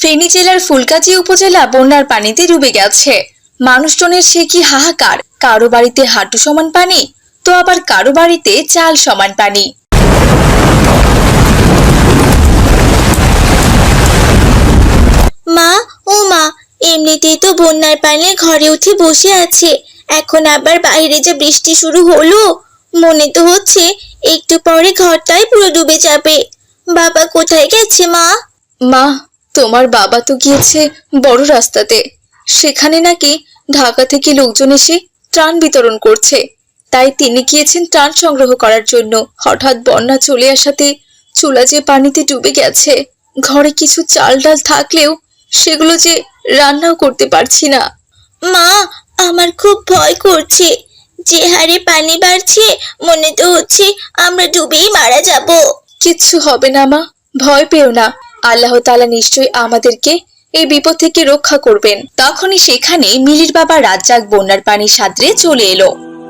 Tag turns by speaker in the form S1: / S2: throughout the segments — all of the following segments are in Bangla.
S1: ফেনী জেলার ফুলগাজী উপজেলা বন্যার পানিতে ডুবে গেছে। মানুষজনের সে কি হাহাকার, কারো বাড়িতে হাঁটু সমান পানি, তো আবার কারো বাড়িতে চাল সমান পানি।
S2: মা, ও মা, এমনিতেই তো বন্যার পানি ঘরে উঠে বসে আছে, এখন আবার বাইরে যে বৃষ্টি শুরু হলো, মনে তো হচ্ছে একটু পরে ঘরটাই পুরো ডুবে যাবে। বাবা কোথায় গেছে মা?
S1: মা, তোমার বাবা তো গিয়েছে বড় রাস্তাতে। সেখানে নাকি ঢাকা থেকে লোকজন এসে ত্রাণ বিতরণ করছে, তাই তিনি গিয়েছেন ত্রাণ সংগ্রহ করার জন্য। হঠাৎ বন্যা চলে আসাতে চুলা যে পানিতে ডুবে গেছে। ঘরে কিছু চাল ডাল থাকলেও সেগুলো যে রান্নাও করতে পারছি না।
S2: মা, আমার খুব ভয় করছে, যে হারে পানি বাড়ছে মনে তো হচ্ছে আমরা ডুবেই মারা যাব।
S1: কিচ্ছু হবে না মা, ভয় পেও না। আল্লাহ তাআলা নিশ্চয়ই আমাদেরকে এই বিপদ থেকে রক্ষা করবেন। তখনই সেখানে মিলির বাবা রাজ্জাক বন্যার পানি সাঁতরে চলে এলো।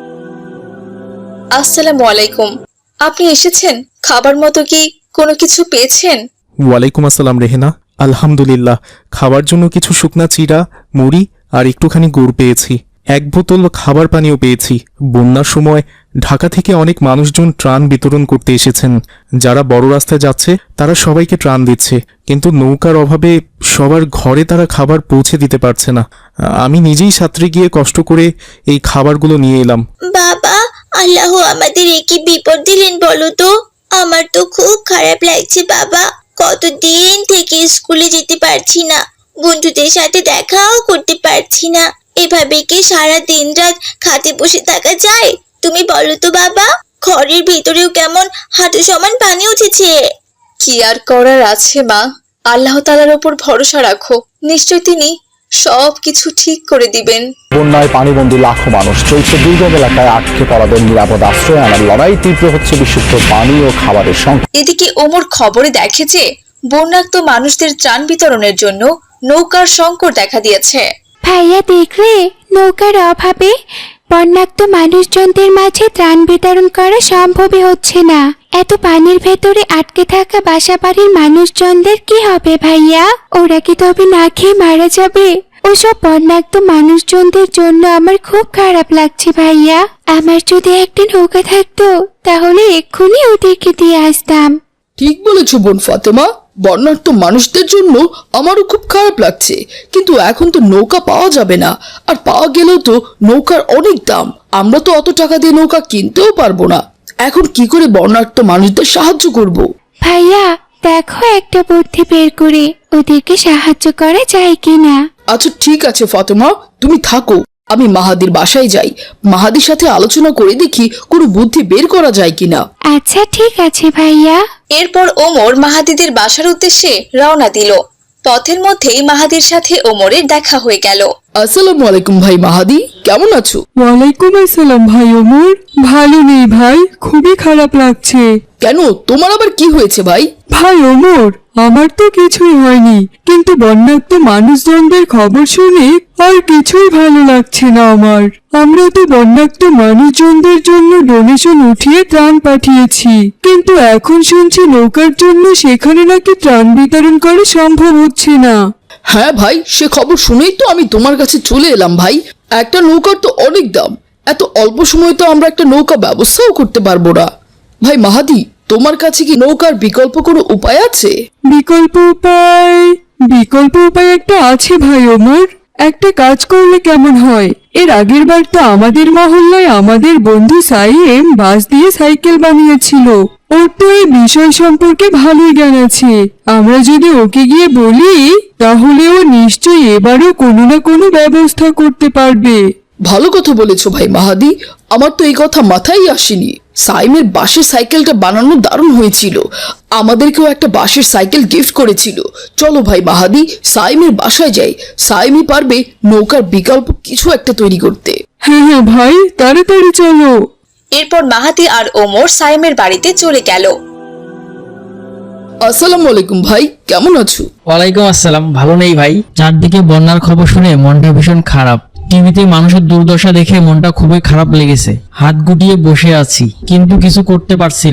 S1: আসসালামু আলাইকুম, আপনি এসেছেন? খাবার মতো কি কোনো কিছু পেয়েছেন?
S3: ওয়ালাইকুম আসসালাম রেহেনা। আলহামদুলিল্লাহ, খাবার জন্য কিছু শুকনা চিড়া, মুড়ি আর একটুখানি গুড় পেয়েছি। এক বোতল খাবার পানিও পেয়েছি। বন্যার সময় ঢাকা থেকে অনেক মানুষজন ত্রাণ বিতরণ করতে এসেছেন। যারা বড় রাস্তায় যাচ্ছে তারা সবাইকে ত্রাণ দিচ্ছে, কিন্তু নৌকার অভাবে সবার ঘরে তারা খাবার পৌঁছে দিতে পারছে না। আমি নিজেই সাঁতরে গিয়ে কষ্ট করে এই খাবারগুলো নিয়ে এলাম।
S2: বাবা, আল্লাহ আমাদের একই বিপদ দিলেন বলো তো? আমার তো খুব খারাপ লাগছে বাবা। কতদিন থেকে স্কুলে যেতে পারছি না, বন্ধুদের সাথে দেখাও করতে পারছি না। এভাবে কি সারা দিন রাত খাতে বসে থাকা যায়? তুমি বলো তো বাবা, ঘরের ভিতরেও কেমন হাঁটু সমান পানি উঠেছে।
S1: কি আর করার আছে মা, আল্লাহ তাআলার উপর ভরসা রাখো, নিশ্চয় তিনি সবকিছু ঠিক করে দিবেন।
S4: বন্যায় পানিবন্দী লাখো মানুষ, চলছে দুর্গম এলাকায় আটকে পড়াদের নিরাপদ আশ্রয় আনার লড়াই। তীব্র হচ্ছে বিশুদ্ধ পানি ও খাবারের সংকট।
S1: এদিকে ওমর খবরে দেখেছে বন্যাক্ত মানুষদের ত্রাণ বিতরণের জন্য নৌকার সংকট দেখা দিয়েছে।
S5: ভাইয়া দেখলে, নৌকার অভাবে বন্যাক্ত মানুষজনদের মাঝে ত্রাণ বিতরণ করা সম্ভবই হচ্ছে না। এত পানির ভেতরে আটকে থাকা বাসাবাড়ির মানুষজনদের কি হবে ভাইয়া? ওরা কি তবে না খেয়ে মারা যাবে? ওসব বন্যাক্ত মানুষজনদের জন্য আমার খুব খারাপ লাগছে ভাইয়া। আমার যদি একটা নৌকা থাকতো তাহলে এক্ষুনি ওদেরকে দিয়ে আসতাম।
S6: ঠিক বলেছো বোন ফাতেমা, বন্যার্ত মানুষদের জন্য আমারও খুব খারাপ লাগছে, কিন্তু এখন তো নৌকা পাওয়া যাবে না, আর পাওয়া গেলেও তো নৌকার অনেক দাম। আমরা তো অত টাকা দিয়ে নৌকা কিনতেও পারবো না। এখন কি করে বন্যার্ত মানুষদের সাহায্য করব?
S5: ভাইয়া দেখো একটা বুদ্ধি বের করে ওদেরকে সাহায্য করা যায় কিনা।
S6: আচ্ছা ঠিক আছে ফাতেমা, তুমি থাকো, আমি মাহাদির বাসায় যাই, মাহাদির সাথে আলোচনা করে দেখি কোনো বুদ্ধি বের করা যায় কিনা।
S5: আচ্ছা ঠিক আছে ভাইয়া।
S1: এরপর ওমর মাহাদিদের বাসার উদ্দেশ্যে রওনা দিল। পথের মধ্যেই মাহাদির সাথে ওমরের দেখা হয়ে গেল।
S6: আসসালামু আলাইকুম ভাই মাহাদি, কেমন আছো?
S7: ওয়ালাইকুম আসসালাম ভাই ওমর। ভালো নেই ভাই, খুবই খারাপ লাগছে।
S6: কেন, তোমার আবার কি হয়েছে ভাই?
S7: ভাই ওমর, আমার তো কিছুই হয়নি, কিন্তু বন্যাক্ত মানুষজনদের খবর শুনে আর কিছুই ভালো লাগছে না আমার। আমরা তো বন্যাক্ত মানুষজনদের জন্য ডোনেশন উঠিয়ে ত্রাণ পাঠিয়েছি, কিন্তু এখন শুনছি নৌকার জন্য সেখানে নাকি ত্রাণ বিতরণ করা সম্ভব হচ্ছে না।
S6: হ্যাঁ ভাই, সে খবর শুনেই তো আমি তোমার কাছে চলে এলাম ভাই। একটা নৌকার তো অনেক দাম, এত অল্প সময়ে তো আমরা একটা নৌকা ব্যবস্থাও করতে পারবো না। ভাই মাহাদি, তোমার কাছে কি নৌকার বিকল্প কোনো উপায় আছে?
S7: বিকল্প উপায় একটা আছে ভাই ওমর। একটা কাজ করলে কেমন হয়? এর আগের বার তো আমাদের মহল্লায় আমাদের বন্ধু সাইম বাঁশ দিয়ে সাইকেল বানিয়েছিল। ওর তো এই বিষয় সম্পর্কে ভালোই জ্ঞান আছে। আমরা যদি ওকে গিয়ে বলি তাহলে ও নিশ্চয়ই এবারও কোনো না কোনো ব্যবস্থা করতে পারবে।
S6: ভালো কথা বলেছো ভাই মাহাদি, আমার তো এই কথা মাথায় আসেনি। সাইমের বাঁশের সাইকেলটা বানানো দারুণ হয়েছিল, আমাদেরকেও একটা বাঁশের সাইকেল গিফট করেছিল। চলো ভাই মাহাদি, সাইমের বাসায় যাই, সাইমই পারবে নৌকার বিকল্প কিছু একটা তৈরি করতে।
S7: হ্যাঁ হ্যাঁ ভাই, তাড়াতাড়ি চলো।
S1: এরপর মাহাদি আর ওমর সাইমের বাড়িতে চলে গেল।
S6: আসসালামু আলাইকুম ভাই, কেমন আছো?
S8: ওয়ালাইকুম আসসালাম। ভালো নেই ভাই, চারদিকে বন্যার খবর শুনে মনটা ভীষণ খারাপ। টিভিতে মানুষের দুর্দশা দেখে মনটা খুবই খারাপ লেগেছে। হাত গুটিয়ে বসে আছি, কিন্তু কিছু করতে পারছি না।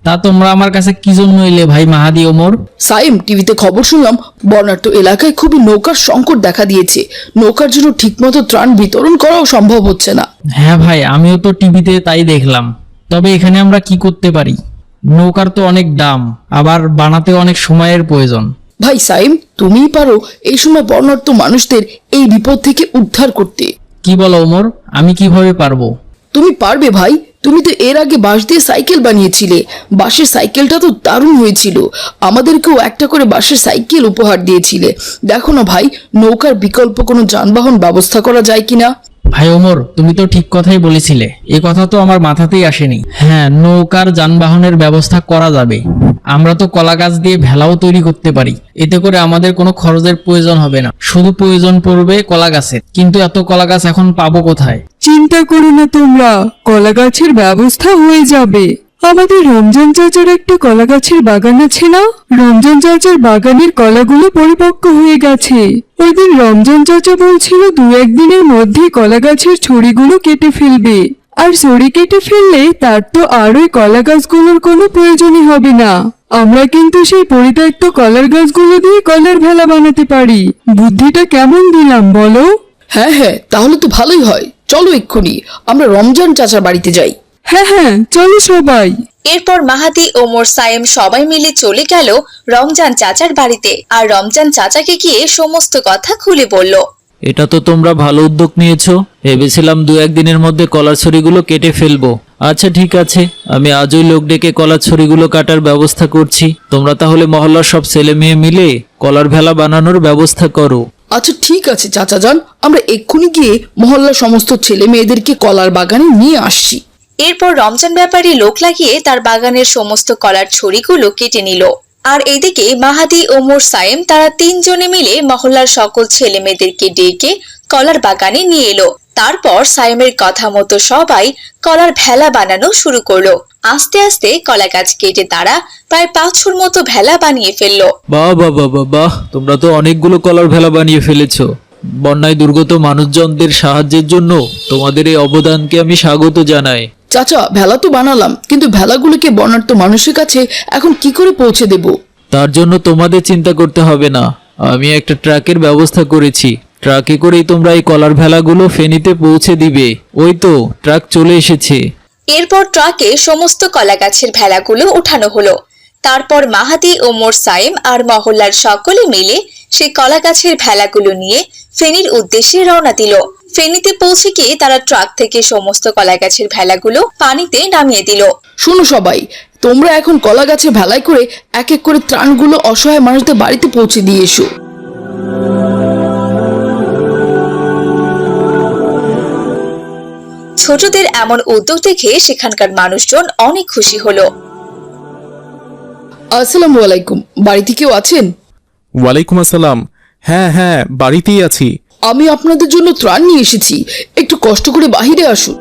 S8: তা তোমরা আমার কাছে কি জন্য এলে ভাই মাহাদি ওমর?
S6: সাইম, টিভিতে খবর শুনলাম বর্ণাঢ্য এলাকায় খুবই নৌকার সংকট দেখা দিয়েছে। নৌকার জন্য ঠিকমতো ত্রাণ বিতরণ করাও সম্ভব হচ্ছে না।
S8: হ্যাঁ ভাই, আমিও তো টিভিতে তাই দেখলাম। তবে এখানে আমরা কি করতে পারি? নৌকার তো অনেক দাম, আবার বানাতে অনেক সময়ের প্রয়োজন।
S6: ভাই সাইম, তুমিই পারো এই সময় বর্ণাঢ্য মানুষদের এই বিপদ থেকে উদ্ধার করতে।
S8: কি বলো ওমর, আমি কিভাবে পারবো?
S6: তুমি পারবে ভাই, তুমি তো এর আগে বাঁশ দিয়ে সাইকেল বানিয়েছিলে। বাঁশের সাইকেলটা তো দারুণ হয়েছিল। আমাদেরকেও একটা করে বাঁশের সাইকেল উপহার দিয়েছিলে। দেখো না ভাই, নৌকার বিকল্প কোনো যানবাহন ব্যবস্থা করা যায় কিনা।
S8: ভাই ওমর, তুমি তো ঠিক কথাই বলেছিলে, এ কথা তো আমার মাথাতেই আসেনি। হ্যাঁ, নৌকার যানবাহনের ব্যবস্থা করা যাবে। আমরা তো কলা গাছ দিয়ে ভেলাও তৈরি করতে পারি। এতে করে আমাদের কোনো খরচের প্রয়োজন হবে না, শুধু প্রয়োজন পড়বে কলা গাছের। কিন্তু এত কলা গাছ এখন পাবো কোথায়?
S7: চিন্তা করো না তোমরা, কলা গাছের ব্যবস্থা হয়ে যাবে। আমাদের রমজান চাচার একটা কলা গাছের বাগান আছে না? রমজান চাচার বাগানের কলাগুলো পরিপক্ক হয়ে গেছে। ওই দিন রমজান চাচা বলছিল 2-1 দিনের মধ্যে কলা গাছের ছড়িগুলো কেটে ফেলবে। আর ছড়ি কেটে ফেললে তার তো আর ওই কলা গাছগুলোর কোনো প্রয়োজনই হবে না। আমরা কিন্তু সেই পরিত্যক্ত কলার গাছগুলো দিয়ে কলার ভেলা বানাতে পারি। বুদ্ধিটা কেমন দিলাম বলো?
S6: হ্যাঁ হ্যাঁ, তাহলে তো ভালোই হয়। চলো এক্ষুনি আমরা রমজান চাচার বাড়িতে যাই।
S7: হ্যাঁ হ্যাঁ, চলো সবাই।
S1: এরপর মাহাদি, ওমর, সাইম সবাই মিলে চলে গেল রমজান চাচার বাড়িতে। আর রমজান চাচাকে গিয়ে সমস্ত কথা খুলে বলল।
S9: এটা তো তোমরা ভালো উদ্যোগ নিয়েছো। ভেবেছিলাম 2-1 দিনের মধ্যে কলার ছড়িগুলো কেটে ফেলবো। আচ্ছা ঠিক আছে, আমি আজই লোক ডেকে কলার ছড়িগুলো কাটার ব্যবস্থা করছি। তোমরা তাহলে মহল্লার সব ছেলে মেয়ে মিলে কলার ভেলা বানানোর ব্যবস্থা করো।
S6: আচ্ছা ঠিক আছে চাচা যান, আমরা এক্ষুনি গিয়ে মহল্লার সমস্ত ছেলে মেয়েদেরকে কলার বাগানে নিয়ে আসছি।
S1: এরপর রমজান ব্যাপারী লোক লাগিয়ে তার বাগানের সমস্ত কলার ছড়িগুলো কেটে নিল। আর এদিকে মাহাদি, ওমর, সাইম তারা 3 জনে মিলে মহল্লার সকল ছেলে মেয়েদেরকে ডেকে কলার বাগানে নিয়ে এলো। তারপর সাইমের কথা মতো সবাই কলার ভেলা বানানো শুরু করলো। আস্তে আস্তে কলা গাছ কেটে তারা প্রায় 500 মতো ভেলা বানিয়ে ফেললো।
S9: বাহ বাহ বাহ বাহ বাহ, তোমরা তো অনেকগুলো কলার ভেলা বানিয়ে ফেলেছো। বন্যায় দুর্গত মানুষজনদের সাহায্যের জন্য তোমাদের এই অবদানকে আমি স্বাগত জানাই।
S6: চাচা, ভেলা তো বানালাম, কিন্তু ভেলাগুলোকে বর্ণাঢ্য মানুষের কাছে এখন কি করে পৌঁছে দেব?
S9: তার জন্য তোমাদের চিন্তা করতে হবে না, আমি একটা ট্রাকের ব্যবস্থা করেছি। ট্রাকে করেই তোমরা এই কলার ভেলাগুলো ফেনীতে পৌঁছে দিবে। ওই তো ট্রাক চলে এসেছে।
S1: এরপর ট্রাকে সমস্ত কলা গাছের ভেলাগুলো উঠানো হলো। তারপর মাহাদি, ওমর, সাইম আর মহল্লার সকলে মিলে সেই কলা গাছের ভেলাগুলো নিয়ে ফেনীর উদ্দেশ্যে রওনা দিল। ফেনীতে পৌঁছে গিয়ে তারা ট্রাক থেকে সমস্ত কলা গাছের ভেলাগুলো পানিতে নামিয়ে দিল।
S6: শোনো সবাই, তোমরা এখন কলা গাছে ভেলায় করে এক এক করে ত্রাণগুলো অসহায় মানুষদের বাড়িতে পৌঁছে দিয়ে এসো।
S1: ছোটদের এমন উদ্যোগ দেখে সেখানকার মানুষজন অনেক খুশি হলো।
S6: আসসালামু আলাইকুম, বাড়িতে কেউ আছেন?
S3: ওয়ালাইকুম আসসালাম। হ্যাঁ হ্যাঁ, বাড়িতেই আছি।
S6: আমি আপনাদের জন্য ত্রাণ নিয়ে এসেছি, একটু কষ্ট করে বাহিরে আসুন।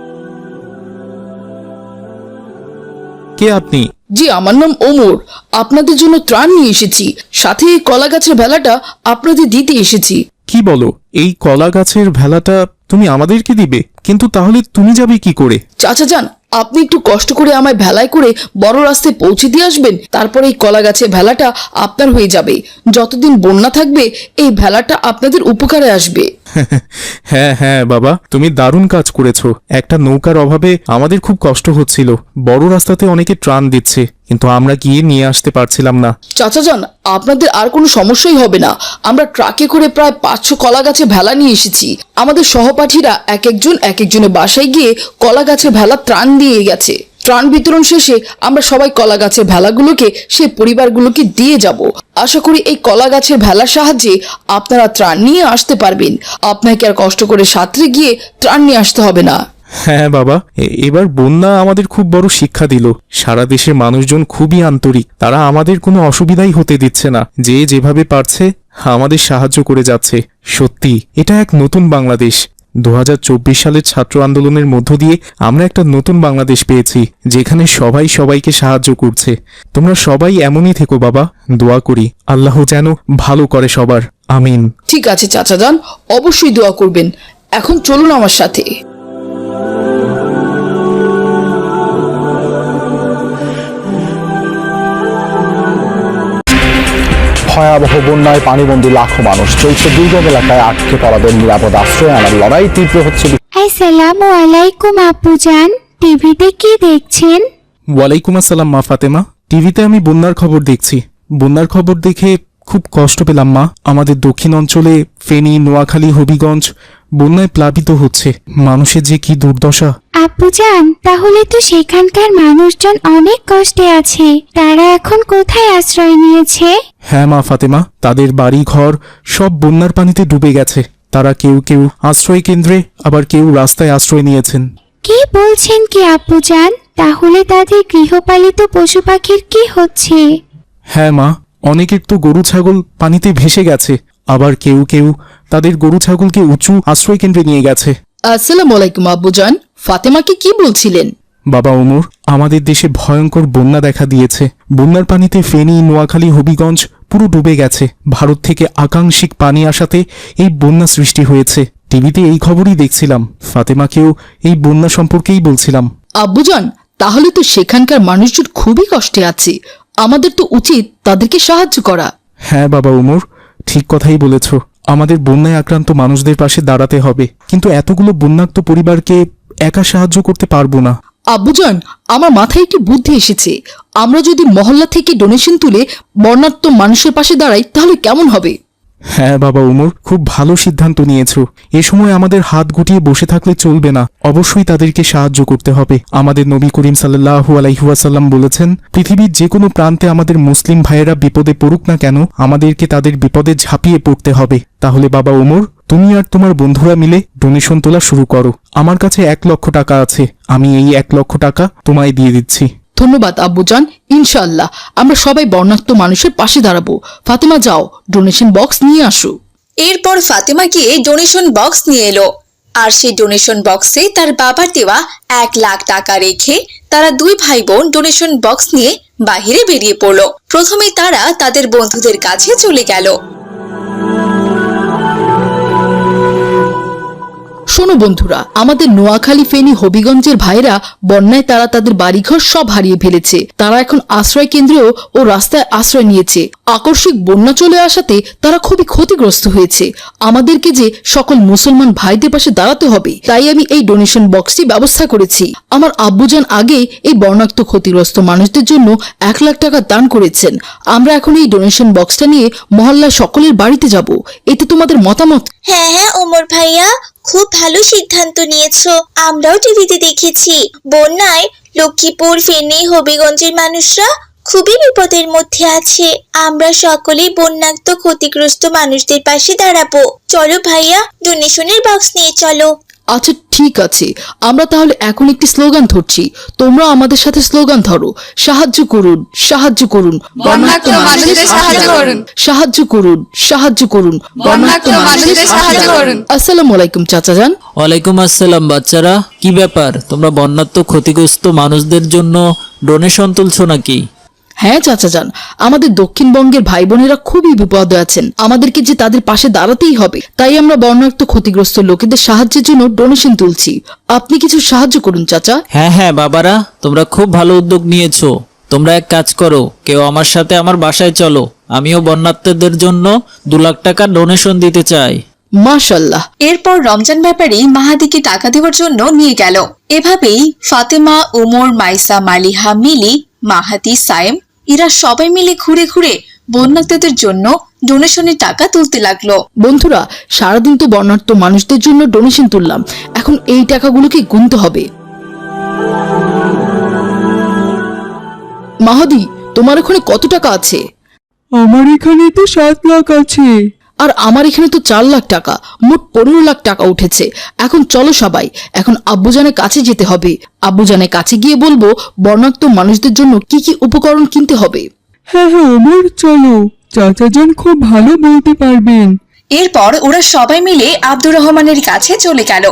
S3: কে আপনি?
S6: জি, আমার নাম ওমর। আপনাদের জন্য ত্রাণ নিয়ে এসেছি, সাথে এই কলা গাছের ভেলাটা আপনাদের দিতে এসেছি।
S3: কি বলো, এই কলা গাছের ভেলাটা তুমি আমাদেরকে দিবে? কিন্তু তাহলে তুমি যাবে কি করে?
S6: চাচা যান, আপনি একটু কষ্ট করে আমায় ভেলায় করে বড় রাস্তায় পৌঁছে দিয়ে আসবেন। তারপরে এই কলা গাছের ভেলাটা আপনার হয়ে যাবে। যতদিন বন্যা থাকবে এই ভেলাটা আপনাদের উপকারে আসবে।
S3: হ্যাঁ হ্যাঁ বাবা, তুমি দারুণ কাজ করেছো। একটা নৌকার অভাবে আমাদের খুব কষ্ট হচ্ছিল। বড় রাস্তাতে অনেকে ত্রাণ দিচ্ছে, কিন্তু আমরা গিয়ে নিয়ে আসতে পারছিলাম না।
S6: চাচা যান, আপনাদের আর কোনো সমস্যাই হবে না। আমরা ট্রাকে করে প্রায় 500 কলা গাছে ভেলা নিয়ে এসেছি। আমাদের সহপাঠীরা এক একজনের বাসায় গিয়ে কলা গাছে ভেলা ত্রাণ দিয়ে গেছে। ত্রাণ বিতরণ শেষে আমরা সবাই কলা গাছের ভেলাগুলোকে সেই পরিবারগুলোকে দিয়ে যাব। আশা করি এই কলা গাছের ভেলার সাহায্যে আপনারা ত্রাণ নিয়ে আসতে পারবেন। আপনাকে আর কষ্ট করে সাঁতরে গিয়ে ত্রাণ নিয়ে আসতে হবে না।
S3: হ্যাঁ বাবা, এবার বন্যা আমাদের খুব বড় শিক্ষা দিল। সারা দেশের মানুষজন খুবই আন্তরিক, তারা আমাদের কোনো অসুবিধাই হতে দিচ্ছে না। যে যেভাবে পারছে আমাদের সাহায্য করে যাচ্ছে। সত্যি এটা এক নতুন বাংলাদেশ। 2024 সালের ছাত্র আন্দোলনের মধ্য দিয়ে আমরা একটা নতুন বাংলাদেশ পেয়েছি, যেখানে সবাই সবাইকে সাহায্য করছে। তোমরা সবাই এমনই থেকো বাবা, দোয়া করি আল্লাহ যেন ভালো করে সবার। আমিন।
S6: ঠিক আছে চাচা যান, অবশ্যই দোয়া করবেন। এখন চলুন আমার সাথে।
S4: ভয়াবহ বন্যায় পানিবন্দী লাখো মানুষ। চলছে দুর্গম এলাকায় আটকে পড়াদের নিরাপদ আশ্রয় আনার লড়াই তীব্র হচ্ছে।
S5: আসসালামু আলাইকুম আপুজান, টিভিতে কি দেখছেন?
S3: ওয়ালাইকুম আসসালাম মা ফাতেমা। টিভিতে আমি বন্যার খবর দেখছি। বন্যার খবর দেখে খুব কষ্ট পেলাম মা। আমাদের দক্ষিণ অঞ্চলে ফেনী, নোয়াখালী, হবিগঞ্জ বন্যায় প্লাবিত হচ্ছে। মানুষের যে কি দুর্দশা।
S5: আপুজান, তাহলে তো সেখানকার মানুষজন অনেক কষ্টে আছে। তারা এখন কোথায় আশ্রয় নিয়েছে?
S3: হ্যাঁ মা ফাতেমা, তাদের বাড়ি ঘর সব বন্যার পানিতে ডুবে গেছে। তারা কেউ কেউ আশ্রয় কেন্দ্রে, আবার কেউ রাস্তায় আশ্রয় নিয়েছেন।
S5: কি বলছেন কি আপুজান? তাহলে তাদের গৃহপালিত পশু পাখির কি হচ্ছে?
S3: হ্যাঁ মা, অনেকের তো গরু ছাগল পানিতে ভেসে গেছে। আবার কেউ কেউ তাদের গরু ছাগলকে উঁচু আশ্রয় কেন্দ্রে নিয়ে গেছে।
S6: আসসালামু আলাইকুম আব্বুজান, ফাতেমাকে কি বলছিলেন?
S3: বাবা ওমর, আমাদের দেশে ভয়ঙ্কর বন্যা দেখা দিয়েছে। বন্যার পানিতে ফেনী, নোয়াখালী, হবিগঞ্জ পুরো ডুবে গেছে। ভারত থেকে আকাঙ্ক্ষিক পানি আসাতে এই বন্যা সৃষ্টি হয়েছে। টিভিতে এই খবরই দেখছিলাম। ফাতেমাকেও এই বন্যা সম্পর্কেই বলছিলাম।
S6: আব্বুজান, তাহলে তো সেখানকার মানুষজন খুবই কষ্টে আছে। আমাদের তো উচিত তাদেরকে সাহায্য করা।
S3: হ্যাঁ বাবা ওমর, ঠিক কথাই বলেছ। আমাদের বন্যায় আক্রান্ত মানুষদের পাশে দাঁড়াতে হবে, কিন্তু এতগুলো বন্যাক্ত পরিবারকে একা সাহায্য করতে পারবো না।
S6: আব্বুজান, আমার মাথায় একটি বুদ্ধি এসেছে। আমরা যদি মহল্লা থেকে ডোনেশন তুলে বর্ণাঢ্য মানুষের পাশে দাঁড়াই তাহলে কেমন হবে?
S3: হ্যাঁ বাবা ওমর, খুব ভালো সিদ্ধান্ত নিয়েছো। এ সময় আমাদের হাত গুটিয়ে বসে থাকলে চলবে না, অবশ্যই তাদেরকে সাহায্য করতে হবে। আমাদের নবী করিম সাল্লাল্লাহু আলাইহি ওয়াসাল্লাম বলেছেন, পৃথিবীর যে কোনো প্রান্তে আমাদের মুসলিম ভাইয়েরা বিপদে পড়ুক না কেন, আমাদেরকে তাদের বিপদে ঝাঁপিয়ে পড়তে হবে। তাহলে বাবা ওমর, তুমি আর তোমার বন্ধুরা মিলে ডোনেশন তোলা শুরু করো। আমার কাছে 1 লক্ষ টাকা আছে। আমি এই 1 লক্ষ টাকা তোমায় দিয়ে দিচ্ছি।
S6: ধন্যবাদ আব্বুজান, ইনশাআল্লাহ আমরা সবাই বর্ণাঢ্য মানুষের পাশে দাঁড়াবো। ফাতেমা, যাও ডোনেশন বক্স নিয়ে আসো।
S1: এরপর ফাতেমা গিয়ে ডোনেশন বক্স নিয়ে এলো। আর সেই ডোনেশন বক্সে তার বাবার দেওয়া 1 লাখ টাকা রেখে তারা 2 ভাই বোন ডোনেশন বক্স নিয়ে বাহিরে বেরিয়ে পড়লো। প্রথমে তারা তাদের বন্ধুদের কাছে চলে গেল।
S6: শোনো বন্ধুরা, আমাদের নোয়াখালী, ফেনী, হবিগঞ্জের ভাইরা বন্যায় তারা তাদের বাড়িঘর সব হারিয়ে ফেলেছে। তারা এখন আশ্রয় কেন্দ্রেও ও রাস্তায় আশ্রয় নিয়েছে। আকস্মিক বন্যা চলে আসাতে তারা খুবই ক্ষতিগ্রস্ত হয়েছে। আমাদেরকে যে সকল মুসলমান ভাইদের পাশে দাঁড়াতে হবে, তাই আমি এই ডোনেশন বক্সটি ব্যবস্থা করেছি। আমার আব্বুজান আগে এই বন্যাক্ত ক্ষতিগ্রস্ত মানুষদের জন্য 1 লাখ টাকা দান করেছেন। আমরা এখন এই ডোনেশন বক্সটা নিয়ে মহল্লার সকলের বাড়িতে যাব। এতে তোমাদের মতামত?
S2: হ্যাঁ হ্যাঁ ওমর ভাইয়া, খুব ভালো সিদ্ধান্ত নিয়েছো। আমরাও টিভিতে দেখেছি বন্যায় লক্ষ্মীপুর, ফেনী, হবিগঞ্জের মানুষরা খুবই বিপদের মধ্যে আছে। আমরা সকলেই বন্যাক্ত ক্ষতিগ্রস্ত মানুষদের পাশে দাঁড়াবো। চলো ভাইয়া, ডোনেশনের বক্স নিয়ে চলো।
S6: আচ্ছা ঠিক আছে, আমরা তাহলে এখন একটি স্লোগান ধরছি। তোমরা আমাদের সাথে স্লোগান ধরো। সাহায্য করুন, সাহায্য করুন,
S10: বন্যাক্ত মানুষদের সাহায্য করুন।
S6: সাহায্য করুন, সাহায্য করুন,
S10: বন্যাক্ত মানুষদের সাহায্য করুন।
S6: আসসালামু আলাইকুম চাচাজান।
S9: ওয়ালাইকুম আসসালাম বাচ্চারা, কি ব্যাপার? তোমরা বন্যাত্ম ক্ষতিগ্রস্ত মানুষদের জন্য ডোনেশন তুলছো নাকি?
S6: হ্যাঁ চাচাজান, আমাদের দক্ষিণবঙ্গের ভাই বোনেরা খুবই বিপদে আছেন। আমাদেরকে যে তাদের পাশে দাঁড়াতেই হবে, তাই আমরা বন্যাক্ত ক্ষতিগ্রস্ত লোকেদের সাহায্যের জন্য ডোনেশন তুলছি। আপনি কিছু সাহায্য করুন চাচা।
S9: হ্যাঁ হ্যাঁ বাবারা, তোমরা খুব ভালো উদ্যোগ নিয়েছো। তোমরা এক কাজ করো, কেউ আমার সাথে আমার বাসায় চলো। আমিও বন্যাত্মদের জন্য 2 লাখ টাকা ডোনেশন দিতে চাই।
S6: মাশাআল্লাহ।
S1: এরপর রমজান ব্যাপারী মাহাদিকে টাকা দেওয়ার জন্য নিয়ে গেল। এভাবেই ফাতেমা, উমর, মাইসা, মালিহা, মিলি, মাহাদি, সায়েম এরা সবাই মিলে ঘুরে ঘুরে বন্যার্তদের জন্য ডোনেশনের টাকা তুলতে লাগলো।
S6: বন্ধুরা, সারাদিন তো বর্ণাঢ্য মানুষদের জন্য ডোনেশন তুললাম, এখন এই টাকাগুলোকে গুনতে হবে। মাহাদি, তোমার ওখানে কত টাকা আছে?
S7: আমার এখানে তো 7 লাখ আছে।
S6: আর আমার এখানে তো 4 লাখ টাকা, মোট 15 লাখ টাকা উঠেছে। এখন চলো সবাই, এখন আব্বুজানের কাছে যেতে হবে। আব্বুজানের কাছে গিয়ে বলবো বর্ণাঢ্য মানুষদের জন্য কি কি উপকরণ কিনতে হবে।
S7: হ্যাঁ হ্যাঁ ওমর, চলো, চাচাজান খুব ভালো বলতে পারবেন।
S1: এরপর ওরা সবাই মিলে আব্দুর রহমানের কাছে চলে গেল।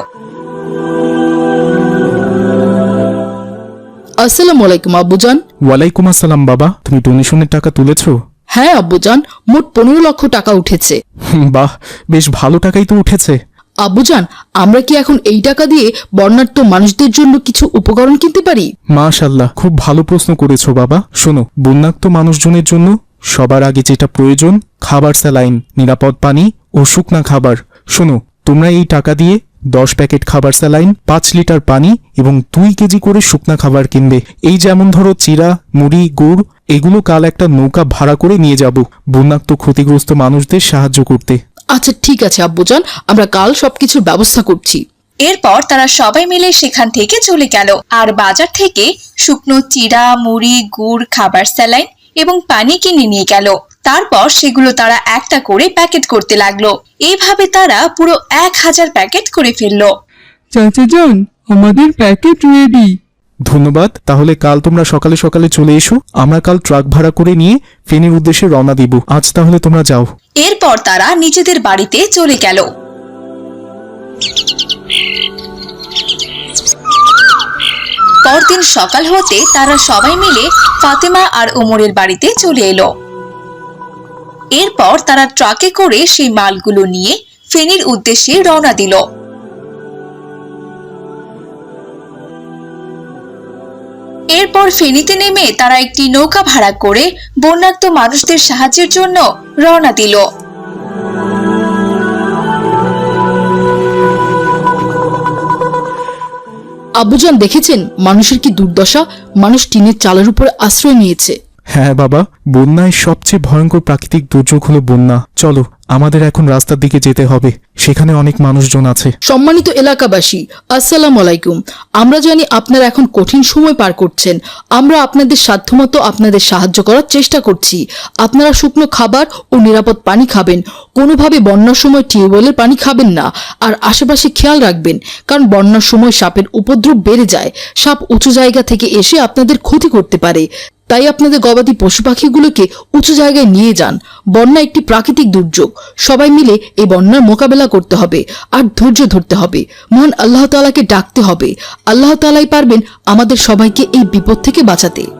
S6: আসসালামু আলাইকুম আব্বুজান।
S3: ওয়ালাইকুম আসসালাম বাবা, তুমি ডোনেশনের টাকা তুলেছো?
S6: হ্যাঁ আব্বুজান, মোট 15 লক্ষ টাকা উঠেছে।
S3: বাহ, বেশ ভালো টাকাই তো উঠেছে।
S6: আব্বুজান, আমরা কি এখন এই টাকা দিয়ে বর্ণাঢ্য মানুষদের জন্য কিছু উপকরণ কিনতে পারি?
S3: মাশাআল্লাহ, খুব ভালো প্রশ্ন করেছো বাবা। শোনো, বন্যাক্ত মানুষজনের জন্য সবার আগে যেটা প্রয়োজন খাবার, স্যালাইন, নিরাপদ পানি ও শুকনা খাবার। শোনো, তোমরা এই টাকা দিয়ে 10 প্যাকেট খাবার, স্যালাইন, 5 লিটার পানি এবং 2 কেজি করে শুকনা খাবার কিনবে। এই যেমন ধরো চিরা, মুড়ি, গুড়, এগুলো কাল একটা নৌকা ভাড়া করে নিয়ে যাব বন্যাক্ত ক্ষতিগ্রস্ত মানুষদের সাহায্য করতে।
S6: আচ্ছা ঠিক আছে আব্বুজান, আমরা কাল সবকিছুর ব্যবস্থা করছি।
S1: এরপর তারা সবাই মিলে সেখান থেকে চলে গেল আর বাজার থেকে শুকনো চিড়া, মুড়ি, গুড়, খাবার, স্যালাইন এবং পানি কিনে নিয়ে গেল। তারপর সেগুলো তারা একটা করে প্যাকেট করতে লাগলো। এইভাবে তারা পুরো 1000 প্যাকেট করে ফেললো।
S7: চাচা যান, আমাদের প্যাকেট রেডি।
S3: ধন্যবাদ। তাহলে কাল তোমরা সকালে সকালে চলে এসো, আমরা কাল ট্রাক ভাড়া করে নিয়ে ফেনীর উদ্দেশ্যে রওনা দিব। আজ তাহলে তোমরা যাও।
S1: এরপর তারা নিজেদের বাড়িতে চলে গেল। পরদিন সকাল হতে তারা সবাই মিলে ফাতেমা আর ওমরের বাড়িতে চলে এলো। এরপর তারা ট্রাকে করে সেই মালগুলো নিয়ে ফেনীর উদ্দেশ্যে রওনা দিল। এরপর ফেনীতে নেমে তারা একটি নৌকা ভাড়া করে বন্যাক্ত মানুষদের সাহায্যের জন্য রওনা দিল।
S6: আব্বুজান দেখেছেন মানুষের কি দুর্দশা, মানুষ টিনের চালের উপরে আশ্রয় নিয়েছে।
S3: হ্যাঁ বাবা, বন্যায় সবচেয়ে ভয়ঙ্কর প্রাকৃতিক দুর্যোগ হলো বন্যা। চলো, আমাদের এখন রাস্তার দিকে যেতে হবে, সেখানে অনেক মানুষজন আছে।
S6: সম্মানিত এলাকাবাসী, আসসালামু আলাইকুম। আমরা জানি আপনারা এখন কঠিন সময় পার করছেন। আমরা আপনাদের সাধ্যমতো আপনাদের সাহায্য করার চেষ্টা করছি। আপনারা শুকনো খাবার ও নিরাপদ পানি খাবেন। কোনোভাবে বন্যার সময় টিউবওয়েলের পানি খাবেন না। আর আশেপাশে খেয়াল রাখবেন, কারণ বন্যার সময় সাপের উপদ্রব বেড়ে যায়। সাপ উঁচু জায়গা থেকে এসে আপনাদের ক্ষতি করতে পারে। তাই আপনাদের গবাদি পশু পাখিগুলোকে উঁচু জায়গায় নিয়ে যান। বন্যা একটি প্রাকৃতিক দুর্যোগ। সবাই মিলে এই বন্যার মোকাবেলা করতে হবে আর ধৈর্য ধরতে হবে। মহান আল্লাহ তাআলাকে ডাকতে হবে। আল্লাহ তাআলাই পারবেন আমাদের সবাইকে এই বিপদ থেকে বাঁচাতে।